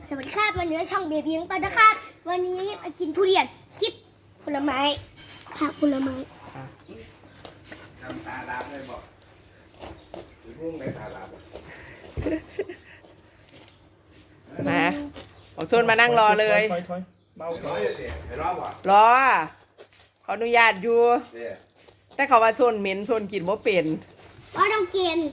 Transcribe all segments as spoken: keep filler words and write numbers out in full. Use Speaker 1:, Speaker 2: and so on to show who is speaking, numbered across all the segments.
Speaker 1: สวัสดีครับวันนี้ช่องเบบี้ยังไปนะครับวันนี้มากินทุเรียนคลิปผลไม้ผักผลไม้
Speaker 2: ทำตาลาบเลยบอกถึงมุ่งในตาลาบ
Speaker 3: มาผมชวนมานั่งรอเลย
Speaker 4: ถอยถอยเบาถ
Speaker 2: ร้
Speaker 4: อ
Speaker 2: อย ยเสียไปรอบว่ะ
Speaker 3: รอขออนุญาตอยู่
Speaker 2: เนี่ย
Speaker 3: แต่เขาว่าโซนเหม็นโซนกินบ่เป็น
Speaker 1: ว่าต้องกิน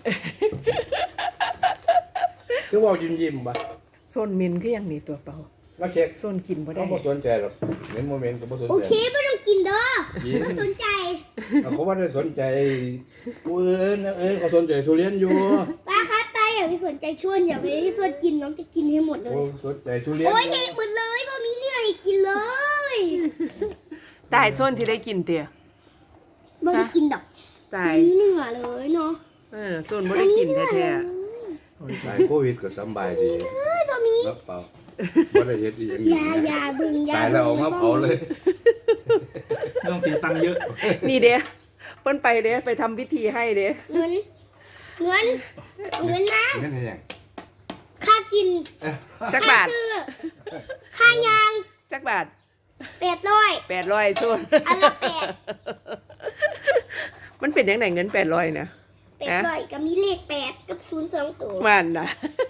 Speaker 2: คือว่ายิ้มยิ้มป่ะ
Speaker 3: โซนเหม็นคืออย่างนี้ตัวเปล่า
Speaker 2: แล้วเช็ค
Speaker 3: โซนกินบ่ได้
Speaker 2: เขาไม่สนใจหรอกในโมเมนต์ก็ไม่สน
Speaker 1: โอ
Speaker 2: ใจ
Speaker 1: เคไม่ต้องกินเด้อไม่สนใจ
Speaker 2: เขาว่าได้สนใจกูเอิญเอิญเขาสนใจทุเรียนอยู่
Speaker 1: ป้าครับป้าอย่าไปสนใจชวนอย่าไปสนกินน้องจะกินให้หมดเล
Speaker 2: โอ้
Speaker 1: ย
Speaker 2: สนใจทุเรียน
Speaker 1: โอ้ยเด็กหมดเลยพ่อมีเนื้อให้กินเลย
Speaker 3: ตายโซนที่ได้กินเตี่ย
Speaker 1: ไม่ได้กินดอก
Speaker 3: ตาย
Speaker 1: มีเนื้อเลยเนาะ
Speaker 3: เออโซนบ่ได้กินแท้
Speaker 2: ตายโควิดก็สบายดี
Speaker 1: เฮ้ยพ่อมี
Speaker 2: แล้วเปล่าไม่ได้เฮ็ดอีหยัง
Speaker 1: อย่าอย่าบึงอย่า
Speaker 2: ตายแล้วเอามาเผาเลย
Speaker 4: ไม่ต้องเสียตังค์เยอะ
Speaker 3: ๆนี่เด้เพิ่นไปเด้ไปทำพิธีให้เด้
Speaker 1: เงินเงินเงินนะ
Speaker 2: นั่นเอง
Speaker 1: ค่ากิน
Speaker 3: จักบาท
Speaker 1: ค่ซื้อค่ายาง
Speaker 3: จักบาท
Speaker 1: แปดร้อย
Speaker 3: แปดร้อยโซน
Speaker 1: อันละแปด
Speaker 3: มันเป็นยังไงเงินแปดร้อยนะ
Speaker 1: แปดร้อยก็มีเลขแปดกับศูนย์สองตัว
Speaker 3: มันนะ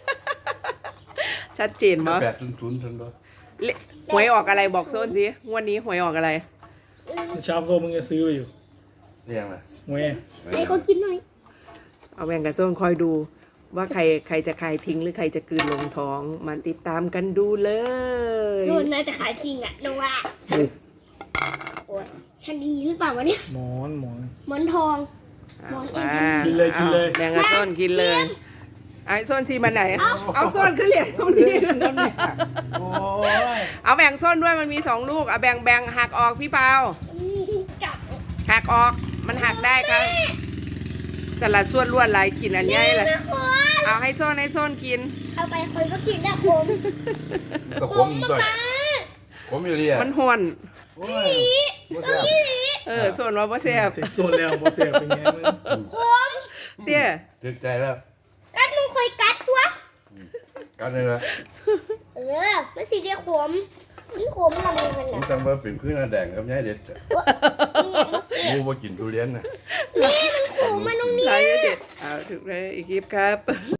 Speaker 3: ชัดเจนมั้ย
Speaker 2: แปดทุนทุนทุนด้วย
Speaker 3: หวยออกอะไรบอกโซนสิงวดนี้หวยออกอะไร
Speaker 4: เช้าโตมึงจะซื้อไปอยู่
Speaker 2: เรียงอะไร
Speaker 4: แหว
Speaker 1: ให้เขากินหน่อย
Speaker 3: เอาแบ่งกับโซนคอยดู ว่าใครใครจะคายทิ้งหรือใครจะกลืนลงท้องมาติดตามกันดูเลย
Speaker 1: ส่วนน่าจะขายทิ้งอ่ะน้องว่าโอ้ยชะนีหรือเปล่าวะเนี่ย
Speaker 4: หมอนหมอน
Speaker 1: หมอนทอง
Speaker 3: เอา
Speaker 1: หมอนเอ็
Speaker 3: มาน
Speaker 4: กินเลยกินเลย
Speaker 3: อาแบ่งกับโซนกินเลยไอ้โซนซีมันไหน เอาโซนขึ้นเหรียญตรงนี้
Speaker 2: โอ้ย
Speaker 3: เอาแบ่งโซนด้วยมันมีสองลูกเอาแบ่งแบ่งหักออกพี่เปา
Speaker 1: กับ
Speaker 3: หักออกมันหักได้ครับแต่ละส่วนล้วนหลายกินอันใหญ่เลย
Speaker 1: นะคน
Speaker 3: เอาให้โซนให้โซนกิน
Speaker 1: เอาไปคนก็กินได้ผม
Speaker 2: ก็ขมด้วยขมอยู่เรีย
Speaker 3: มันห่วน
Speaker 2: โอ้ยบ่แซ่บ
Speaker 3: เออโซนว่าบ่แซ่บ
Speaker 4: เสร็จโซนแล้วบอเสียเป็นไงมึง
Speaker 1: ผม
Speaker 3: เตี้ย
Speaker 2: ติดใจแล้ว
Speaker 1: กัดมึงคอยกัดตัว
Speaker 2: กันเลยนะ
Speaker 1: เออมันสิเดียวขมมันขมทำไมมัน
Speaker 2: ผม
Speaker 1: น่ะ
Speaker 2: ตั้งว่าเป็นพื้นหน้าแดงกับยายเด็ดจ้ะมูว่ากินทุเรียนนะ
Speaker 1: นี่มันขมมาตรงนี้
Speaker 3: หลายเด็ดเอาถึงเลยอีกคลิปครับ